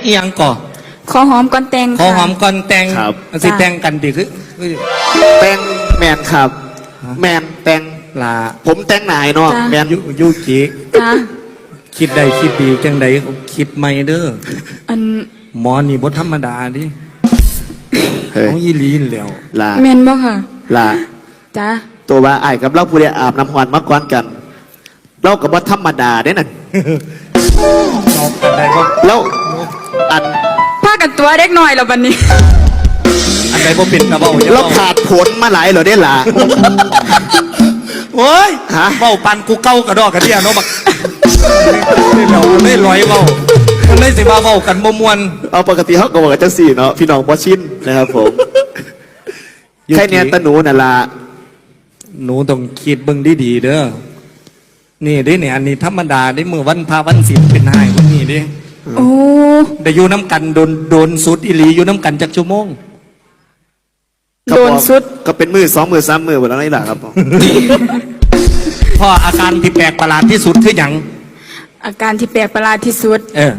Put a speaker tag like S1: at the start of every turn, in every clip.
S1: อีหยังก่อ
S2: ขอหอมก่อนแต่ง
S1: ขอหอมก่อนแต่งสิแต่งกันดิคือ
S3: แต่งแมนครับแมนแต่ง
S1: ลา
S3: ผมแต่งนายเนาะแมน
S1: ยุกิคิดใดคิดดีจังใดคิดไม่เด้อ
S2: อัน
S1: หมอนี่บ่ธรรมดาดิของยีลีนแล้ว
S3: ลา
S2: แมนบ่ค่ะ
S3: ลา
S2: จ้า
S3: ตัวว่าไอ้กับเราผู้ใดอาบน้ำหวานมาก่อนกันเรากับว่าธรรมดาเด้นั่นแล้วอัน
S2: ผ้ากันตัวเด็กหน่อยแล้วบัดนี้
S1: อันใดบ่เป็นกระเบ้า
S3: เราขาดผลมาหลายเหรอได้ล่ะ
S1: โอ้ยเบ้าปันกูเก้ากระดอกกระเดียเนาะบักไม่ลอยเบ้ามันเลยสิมาเบ้ากันบ่ม่วน
S3: เอาปกติเขาก็บอกกันจังสี่เนาะพี่น้องบ่ชินนะครับผมแค่เนี้ยตะหนูน่ะล่ะ
S1: หนูต้องคิดเบิ่งดีๆเด้อนี่ดิเนี่ยอันนี้ธรรมดาได้มือวันพาวันศีลเป็นหายวันนี้ดิ
S2: โอ้
S1: ได้อยู่น้ำกันโดนสุดอิลีอยู่น้ำกันจักชั่วโมง
S2: โดนสุด
S3: ก็เป็นมือ2 มือ 3 มือหมดแล้วนี่แหละครับ
S1: พ่ออาการที่แปลกประหลาดที่สุดคือหยัง
S2: อาการที่แปลกประหลาดที่สุด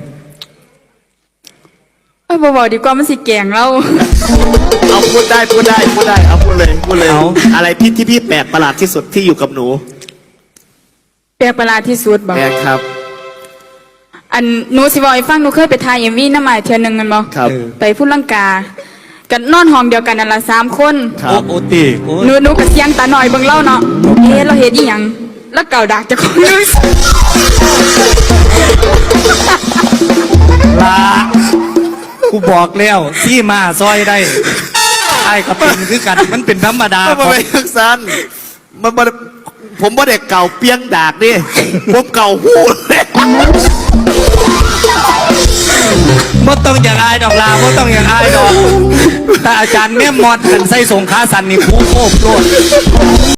S1: บอก
S2: ดีกว่ามันสิแกงเรา
S3: เอาพูดได้เอาพูดเลยอะไรที่พี่แปลกประหลาดที่สุดที่อยู่กับหนู
S2: แปลกประหลาดที่สุดบอก
S3: แปลกครับ
S2: อันหนูสิบอกให้ฟังหนูเคยไปถ่ายเอ็มวีน้ำหมายเทือนหนึ่งกันบ่ไปพูดลังกากันนอนห้องเดียวกันนั่นละ3 คน
S1: โอตี
S2: หนูกับเสียงตาหน่อยเบิ่งเล่าเนาะเราเห็นอีหยังแล้วเก่าดักจะคนนึง
S1: ลากูบอกแล้วที่มาซอยได้ไอ้กับเป็นคือกันมันเป็นธรรมดา
S3: มันเป็นทักษะผมว่าเด็กเก่าเปียงดากดิผมเก่าหูเลย
S1: บ่ต้องอย่างอายดอกลาบ่ต้องอย่างอายดอกแต่อาจารย์แม่มอดกันใส่ส่งขาสันนี่คู่โคบโลด